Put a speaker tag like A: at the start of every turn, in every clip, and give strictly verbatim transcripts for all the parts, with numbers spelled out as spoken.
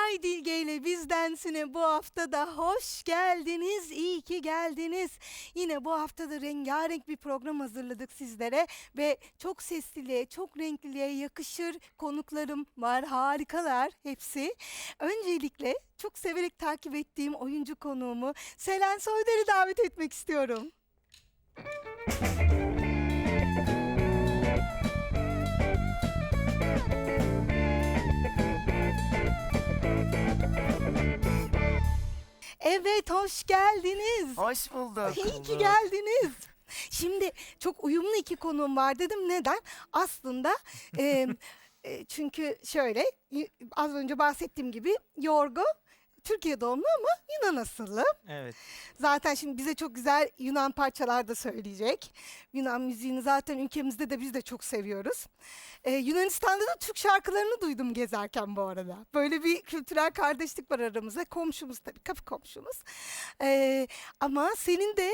A: Ay Dilge ile Bizdensine bu hafta da hoş geldiniz, iyi ki geldiniz. Yine bu hafta da rengarenk bir program hazırladık sizlere ve çok sesliliğe, çok renkliliğe yakışır konuklarım var, harikalar hepsi. Öncelikle çok severek takip ettiğim oyuncu konuğumu Selen Soyder'i davet etmek istiyorum. Evet, hoş geldiniz.
B: Hoş bulduk.
A: İyi ki geldiniz. Şimdi çok uyumlu iki konuğum var dedim. Neden? Aslında e, e, çünkü şöyle y- az önce bahsettiğim gibi Yorgo Türkiye doğumlu ama Yunan asıllı.
C: Evet.
A: Zaten şimdi bize çok güzel Yunan parçalar da söyleyecek. Yunan müziğini zaten ülkemizde de biz de çok seviyoruz. Ee, Yunanistan'da da Türk şarkılarını duydum gezerken bu arada. Böyle bir kültürel kardeşlik var aramızda. Komşumuz tabii, kapı komşumuz. Ee, ama senin de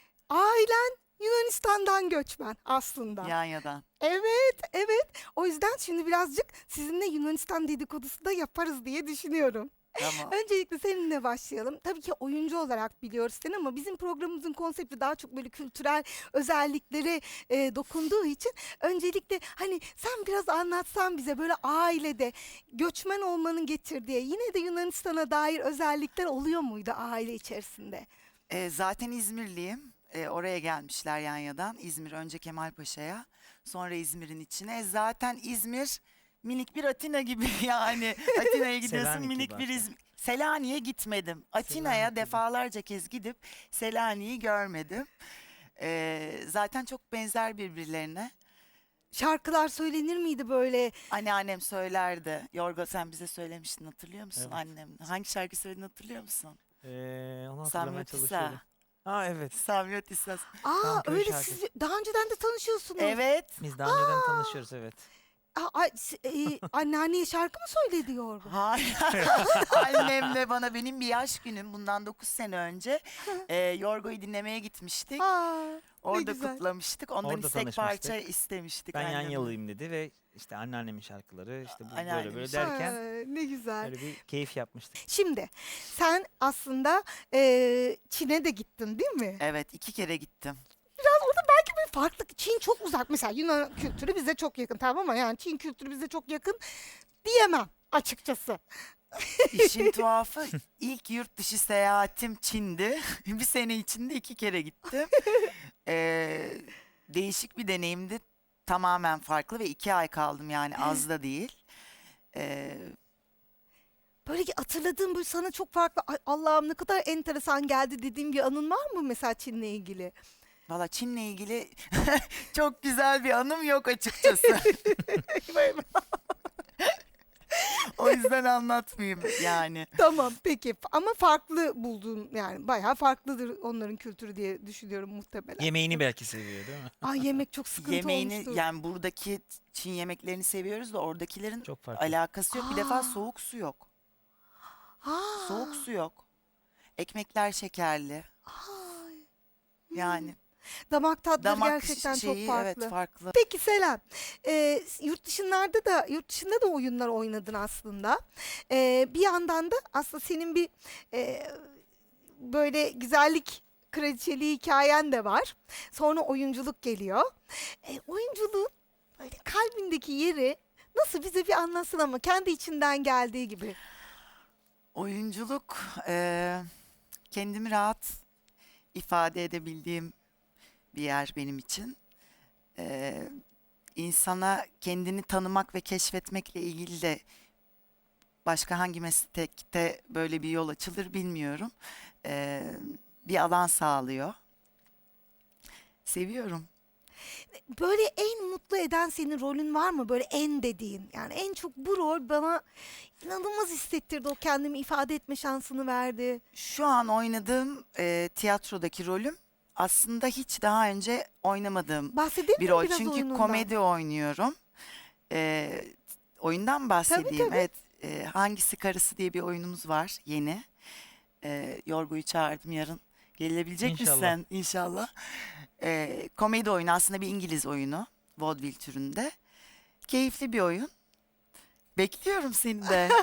A: ailen Yunanistan'dan göçmen aslında.
B: Yanya'dan.
A: Evet, evet. O yüzden şimdi birazcık sizinle Yunanistan dedikodusu da yaparız diye düşünüyorum.
B: Tamam.
A: Öncelikle seninle başlayalım. Tabii ki oyuncu olarak biliyoruz seni ama bizim programımızın konsepti daha çok böyle kültürel özelliklere e, dokunduğu için öncelikle hani sen biraz anlatsan bize böyle ailede göçmen olmanın getirdiği yine de Yunanistan'a dair özellikler oluyor muydu aile içerisinde?
B: Ee, zaten İzmirliyim. Ee, oraya gelmişler Yanya'dan. İzmir önce Kemalpaşa'ya. Sonra İzmir'in içine. Zaten İzmir minik bir Atina gibi yani. Atina'ya gidiyorsun
C: Selanik
B: minik
C: gibi
B: bir
C: hatta.
B: İzmir. Selanik'e gitmedim. Atina'ya
C: Selanik gibi.
B: defalarca kez gidip Selanik'i görmedim. Ee, zaten çok benzer birbirlerine.
A: Şarkılar söylenir miydi böyle?
B: Anneannem söylerdi. Yorgo sen bize söylemiştin hatırlıyor musun
C: Evet.
B: annem? Hangi şarkı söylediğini hatırlıyor musun?
C: Ee, onu hatırlamaya
B: Samyotisa.
C: çalışıyorum. Ha evet.
B: Samyotisa.
A: Aa
C: Tam köy
A: öyle
C: şarkısı.
A: siz daha önceden de tanışıyorsunuz.
B: Evet.
C: Biz daha önceden tanışıyoruz evet.
A: Aa, ay, s- e, anneanneye şarkı mı söyledi Yorgo?
B: Hayır. Annemle bana benim bir yaş günüm bundan dokuz sene önce e, Yorgo'yu dinlemeye gitmiştik.
A: Aa, ne
B: Orada
A: güzel.
B: kutlamıştık. Ondan
C: Orada
B: istek
C: tanışmıştık.
B: parça istemiştik.
C: Ben
B: annemle.
C: Yanyalıyım dedi ve işte anneannemin şarkıları işte bu böyle
B: Anneannemin
C: böyle
B: şarkı-
C: derken
A: Aa, ne güzel.
C: böyle bir keyif yapmıştık.
A: Şimdi sen aslında e, Çin'e de gittin değil mi?
B: Evet iki kere gittim.
A: Bir farklı. Çin çok uzak. Mesela Yunan kültürü bize çok yakın tamam ama yani Çin kültürü bize çok yakın diyemem açıkçası.
B: İşin tuhafı ilk yurt dışı seyahatim Çin'di. Bir sene içinde iki kere gittim. Ee, değişik bir deneyimdi. Tamamen farklı ve iki ay kaldım yani az da değil. Ee,
A: Böyle ki hatırladığım böyle sana çok farklı "Ay, Allah'ım ne kadar enteresan geldi" dediğim bir anın var mı mesela Çin'le ilgili?
B: Valla Çin'le ilgili çok güzel bir anım yok açıkçası. O yüzden anlatmayayım yani.
A: Tamam peki ama farklı buldun yani bayağı farklıdır onların kültürü diye düşünüyorum muhtemelen.
C: Yemeğini belki seviyor değil mi?
A: Ay yemek çok sıkıntı
B: Yemeğini
A: olmuştu.
B: yani buradaki Çin yemeklerini seviyoruz da oradakilerin
C: Çok farklı.
B: alakası yok. Bir
A: Aa.
B: defa soğuk su yok.
A: Ha.
B: Soğuk su yok. Ekmekler şekerli.
A: Ay.
B: Yani
A: Damak tatları
B: damak
A: gerçekten
B: şeyi
A: çok farklı.
B: evet farklı.
A: Peki Selen, e, yurt dışında da yurt dışında da oyunlar oynadın aslında. E, bir yandan da aslında senin bir e, böyle güzellik kraliçeliği hikayen de var. Sonra oyunculuk geliyor. E, oyunculuğun böyle kalbindeki yeri nasıl bize bir anlatsın ama kendi içinden geldiği gibi.
B: Oyunculuk eee, kendimi rahat ifade edebildiğim bir yer benim için. Eee insana kendini tanımak ve keşfetmekle ilgili de başka hangi meslekte böyle bir yol açılır bilmiyorum. Eee, bir alan sağlıyor. Seviyorum.
A: Böyle en mutlu eden senin rolün var mı? Böyle en dediğin. Yani en çok bu rol bana inanılmaz hissettirdi. O kendimi ifade etme şansını verdi.
B: Şu an oynadığım eee, tiyatrodaki rolüm aslında hiç daha önce oynamadığım
A: Bahsedelim
B: bir
A: mi
B: rol.
A: biraz
B: Çünkü
A: oyunundan?
B: komedi oynuyorum. Ee, oyundan mı bahsedeyim?
A: tabii.
B: Evet. e, Hangisi Karısı diye bir oyunumuz var yeni. Ee, Yorgu'yu çağırdım yarın. Gelebilecek
C: İnşallah.
B: misin? İnşallah. Ee, komedi oyunu aslında bir İngiliz oyunu. Vaudeville türünde. Keyifli bir oyun. Bekliyorum seni de.
A: Ay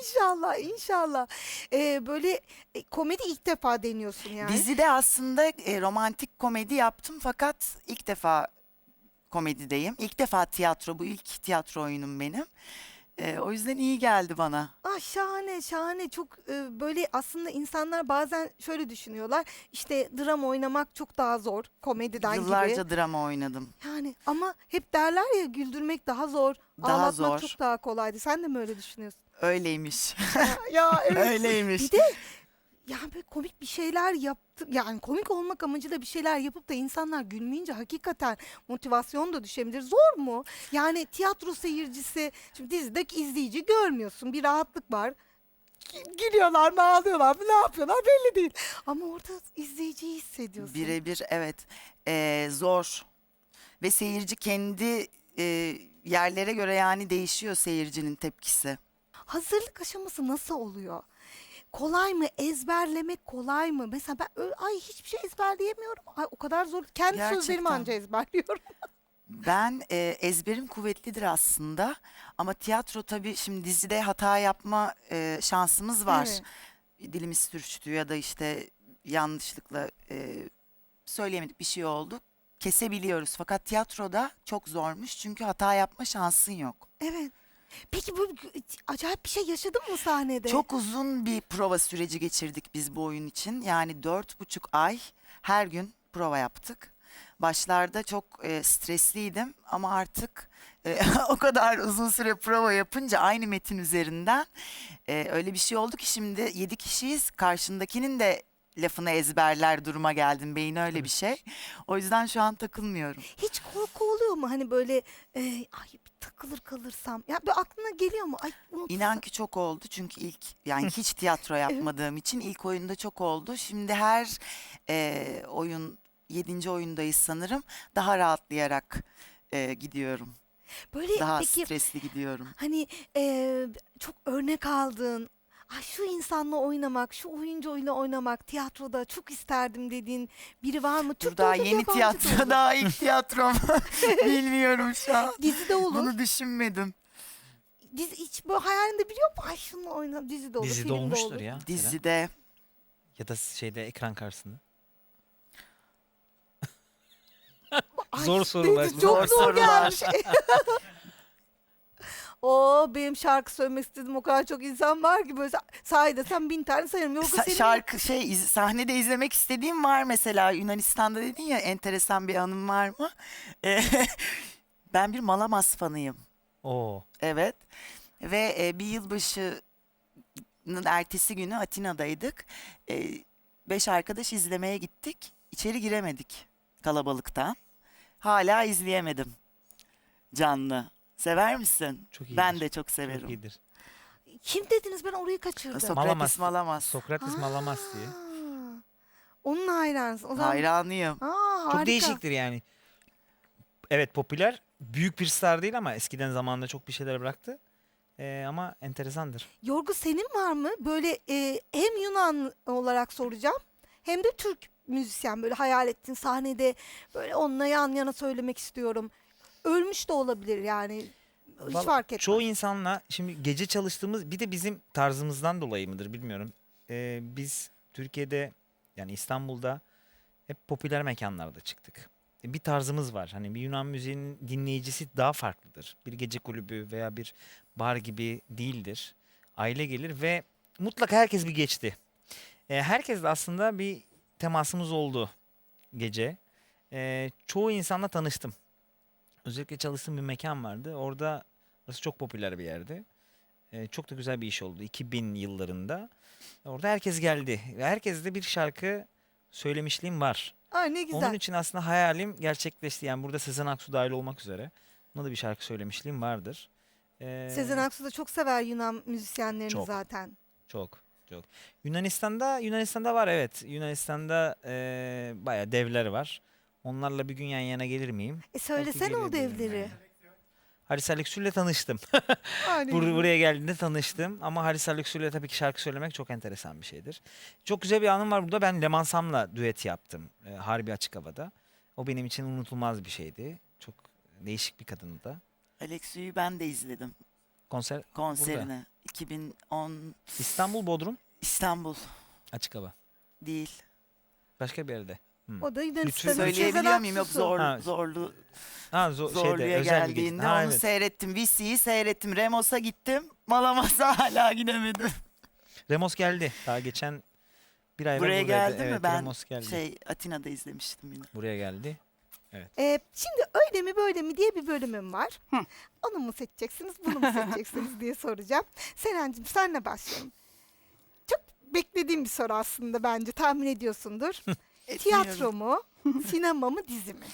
A: İnşallah, inşallah. Ee, böyle e, komedi ilk defa deniyorsun yani.
B: Dizide aslında e, romantik komedi yaptım fakat ilk defa komedideyim. İlk defa tiyatro, bu ilk tiyatro oyunum benim. E, o yüzden iyi geldi bana.
A: Ah şahane şahane çok e, böyle aslında insanlar bazen şöyle düşünüyorlar işte drama oynamak çok daha zor komediden
B: Yıllarca
A: gibi.
B: drama oynadım.
A: Yani ama hep derler ya güldürmek daha zor,
B: Daha
A: ağlatmak
B: zor.
A: çok daha kolaydı. Sen de mi öyle düşünüyorsun?
B: Öyleymiş.
A: ya, ya evet.
B: Öyleymiş.
A: Bir de yani böyle komik bir şeyler yaptı yani komik olmak amacıyla bir şeyler yapıp da insanlar gülmeyince hakikaten motivasyon da düşebilir. Zor mu? Yani tiyatro seyircisi şimdi dizideki izleyici görmüyorsun bir rahatlık var. Gülüyorlar mı ağlıyorlar mı ne yapıyorlar belli değil. Ama orada izleyiciyi hissediyorsun.
B: Birebir evet. E, zor. Ve seyirci kendi e, yerlere göre yani değişiyor seyircinin tepkisi.
A: Hazırlık aşaması nasıl oluyor? Kolay mı? Ezberlemek kolay mı? Mesela ben ö- ay hiçbir şey ezberleyemiyorum. Ay o kadar zor. Kendi sözlerimi
B: Gerçekten.
A: anca ezberliyorum.
B: Ben e, ezberim kuvvetlidir aslında ama tiyatro tabii şimdi dizide hata yapma e, şansımız var.
A: Evet.
B: Dilimiz sürçtü ya da işte yanlışlıkla e, söyleyemedik bir şey oldu. Kesebiliyoruz fakat tiyatroda çok zormuş çünkü hata yapma şansın yok.
A: Evet. Peki bu acayip bir şey yaşadın mı sahnede?
B: Çok uzun bir prova süreci geçirdik biz bu oyun için. Yani dört buçuk ay her gün prova yaptık. Başlarda çok e, stresliydim ama artık e, o kadar uzun süre prova yapınca aynı metin üzerinden e, öyle bir şey oldu ki şimdi yedi kişiyiz. Karşındakinin de lafını ezberler duruma geldim. Beyin öyle bir şey. O yüzden şu an takılmıyorum.
A: Hiç korku oluyor mu? Hani böyle e, ay bir takılır kalırsam. Ya bir aklına geliyor mu? Ay unutursam.
B: İnan ki çok oldu çünkü ilk yani hiç tiyatro yapmadığım için ilk oyunda çok oldu. Şimdi her e, oyun yedinci oyundayız sanırım daha rahatlayarak e, gidiyorum.
A: Böyle
B: Daha
A: peki
B: stresli gidiyorum.
A: hani e, çok örnek aldığın ay şu insanla oynamak, şu oyuncuyla oynamak tiyatroda çok isterdim dediğin biri var mı?
B: Dur
A: Türk de
B: daha
A: olur,
B: yeni
A: yabancı da
B: tiyatro
A: olur.
B: daha ilk tiyatrom bilmiyorum şu an.
A: Dizide olur.
B: Bunu düşünmedim.
A: Dizi hiç böyle hayalinde biliyor musun? Ay şununla oyna dizide olur,
C: Dizide
A: filmde
C: olmuştur
A: olur.
C: ya. Seren.
B: Dizide
C: Ya da şeyde ekran karşısında.
A: Ay,
C: Zor sorular.
A: Çok
B: Zor
A: zor,
B: sorular.
A: gelmiş. O benim şarkı söylemek istedim o kadar çok insan var ki böyle sahide sen bin tane sayarım. Yoksa
B: Sa-
A: senin
B: şarkı şey iz- sahnede izlemek istediğim var mesela Yunanistan'da dedin ya enteresan bir anım var mı? E, ben bir Malamas fanıyım.
C: Oo.
B: Evet. Ve e, bir yılbaşının ertesi günü Atina'daydık. E, beş arkadaş izlemeye gittik. İçeri giremedik kalabalıktan. Hala izleyemedim canlı. Sever misin?
C: Çok iyidir.
B: Ben de çok
C: Çok
B: severim.
C: iyidir.
A: kim dediniz ben orayı kaçırdım.
B: Sokrates
C: Malamas.
B: Malamas.
C: Sokrates Malamas diye.
A: Aa, onun hayranısın. O zaman
B: Hayranıyım.
A: Aa,
C: Çok
A: harika.
C: değişiktir yani. Evet popüler. Büyük bir star değil ama eskiden zamanında çok bir şeyler bıraktı. Ee, ama enteresandır.
A: Yorgu senin var mı? Böyle e, hem Yunan olarak soracağım hem de Türk müzisyen böyle hayal ettin sahnede böyle onunla yan yana söylemek istiyorum. Ölmüş de olabilir yani. Hiç
C: Vallahi
A: fark etmez.
C: Çoğu insanla şimdi gece çalıştığımız bir de bizim tarzımızdan dolayı mıdır bilmiyorum. Ee, biz Türkiye'de yani İstanbul'da hep popüler mekanlarda çıktık. E, Bir tarzımız var. Hani bir Yunan müziğinin dinleyicisi daha farklıdır. Bir gece kulübü veya bir bar gibi değildir. Aile gelir ve mutlaka herkes bir geçti. E, herkes de aslında bir temasımız oldu gece. E, çoğu insanla tanıştım. Özellikle çalıştığım bir mekan vardı. Orada burası çok popüler bir yerdi. E, çok da güzel bir iş oldu. iki bin yıllarında. Orada herkes geldi. Ve herkes de bir şarkı söylemişliğim var.
A: Ay ne güzel.
C: Onun için aslında hayalim gerçekleşti. Yani burada Sezen Aksu dahil olmak üzere. Buna da bir şarkı söylemişliğim vardır. Ee,
A: Sezen Aksu da çok sever Yunan müzisyenlerini
C: Çok.
A: zaten.
C: Çok, çok. Yunanistan'da, Yunanistan'da var evet. Yunanistan'da e, bayağı devler var. Onlarla bir gün yan yana gelir miyim?
A: E söylesene o
C: gelebilirim
A: devleri.
C: yani. Haris Alexiou'yla tanıştım.
A: Ay, ne
C: Bur-
A: güzel.
C: buraya geldiğinde tanıştım. Ama Haris Alexiou'yla tabii ki şarkı söylemek çok enteresan bir şeydir. Çok güzel bir anım var burada. Ben Leman Sam'la düet yaptım. E, Harbi Açık Hava'da. O benim için unutulmaz bir şeydi. Çok değişik bir kadındı da.
B: Alexiou'yu ben de izledim.
C: Konser
B: konserine. iki bin on
C: İstanbul, Bodrum,
B: İstanbul
C: açık hava.
B: değil.
C: Başka bir yerde. Hmm.
A: O da
C: Lütfü
A: Yunanistan'ın
B: Söyleyebiliyor
A: Sezen
B: muyum? Yok
A: Aksu'su.
B: zor,
C: Ha.
B: zorlu
C: Ha, zo-
B: zorluya
C: şeyde, özel bir gece.
B: geldiğinde
C: Ha,
B: onu
C: evet.
B: seyrettim. Visi'yi seyrettim. Remos'a gittim. Malamas'a hala gidemedim.
C: Remos geldi. Daha geçen bir ay evvel
B: Buraya
C: buradaydı.
B: geldi mi?
C: Evet,
B: Ben
C: Remos geldi.
B: şey Atina'da izlemiştim yine.
C: Buraya geldi.
A: Ee, şimdi öyle mi böyle mi diye bir bölümüm var.
B: Hı.
A: Onu mu seçeceksiniz, bunu mu seçeceksiniz diye soracağım. Selen'cim senle başlayalım. Çok beklediğim bir soru aslında bence, tahmin ediyorsundur. Tiyatro mu, sinema mı, dizi mi?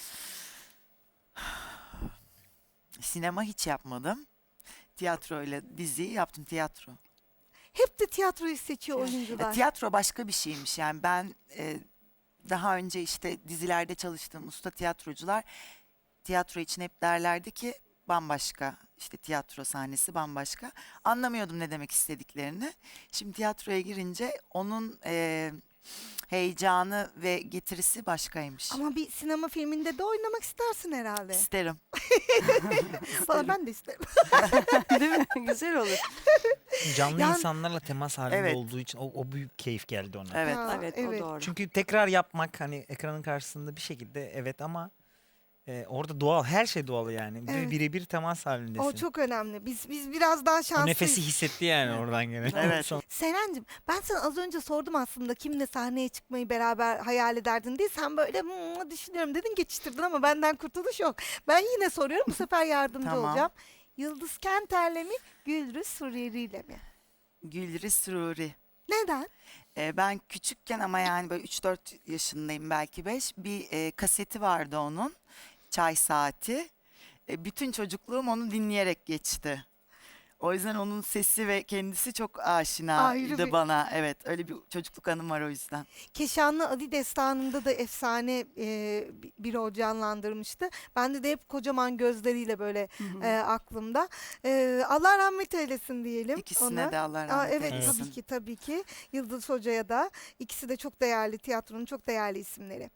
B: Sinema hiç yapmadım. Tiyatro ile diziyi yaptım, tiyatro.
A: Hep de tiyatroyu seçiyor
B: Ya,
A: oyuncular.
B: tiyatro başka bir şeymiş. Yani ben e, daha önce işte dizilerde çalıştığım usta tiyatrocular tiyatro için hep derlerdi ki bambaşka, işte tiyatro sahnesi bambaşka. Anlamıyordum ne demek istediklerini. Şimdi tiyatroya girince onun e, heyecanı ve getirisi başkaymış.
A: Ama bir sinema filminde de oynamak istersin herhalde.
B: İsterim.
A: Valla ben de isterim.
D: Değil mi? Güzel olur.
C: Canlı
A: Yani-
C: insanlarla temas halinde
B: Evet.
C: olduğu için o, o büyük keyif geldi ona.
B: Evet.
A: Ha,
D: Evet,
A: evet.
D: o doğru.
C: Çünkü tekrar yapmak hani ekranın karşısında bir şekilde evet ama e, orada doğal, her şey doğal yani. Bir
A: Evet.
C: birebir temas halindesin.
A: O çok önemli. Biz biz biraz daha
C: O
A: şanslıyız.
C: nefesi hissetti yani oradan gene.
B: Evet.
C: Son-
A: Selen'cim ben sana az önce sordum aslında kimle sahneye çıkmayı beraber hayal ederdin diye. Sen böyle "Hmm, düşünüyorum" dedin, geçiştirdin ama benden kurtuluş yok. Ben yine soruyorum, bu sefer yardımcı
B: Tamam.
A: olacağım. Yıldız Kenter'le mi, Gülriz Suriyeli'yle mi?
B: Gülriz Ruri.
A: Neden?
B: Ee, ben küçükken ama yani böyle üç dört yaşındayım, belki beş. Bir e, kaseti vardı onun. Çay Saati. E, bütün çocukluğum onu dinleyerek geçti. O yüzden onun sesi ve kendisi çok
A: Ayrı
B: aşinaydı
A: bir-
B: bana. Evet, öyle bir çocukluk anım var o yüzden.
A: Keşanlı Ali Destanı'nda da efsane e, bi- bir o canlandırmıştı. Bende de hep kocaman gözleriyle böyle e, aklımda. E, Allah rahmet eylesin diyelim
B: İkisine
A: ona.
B: de Allah
A: Aa,
B: rahmet
A: evet
B: eylesin.
A: tabii ki tabii ki. Yıldız Hoca'ya da, ikisi de çok değerli, tiyatronun çok değerli isimleri.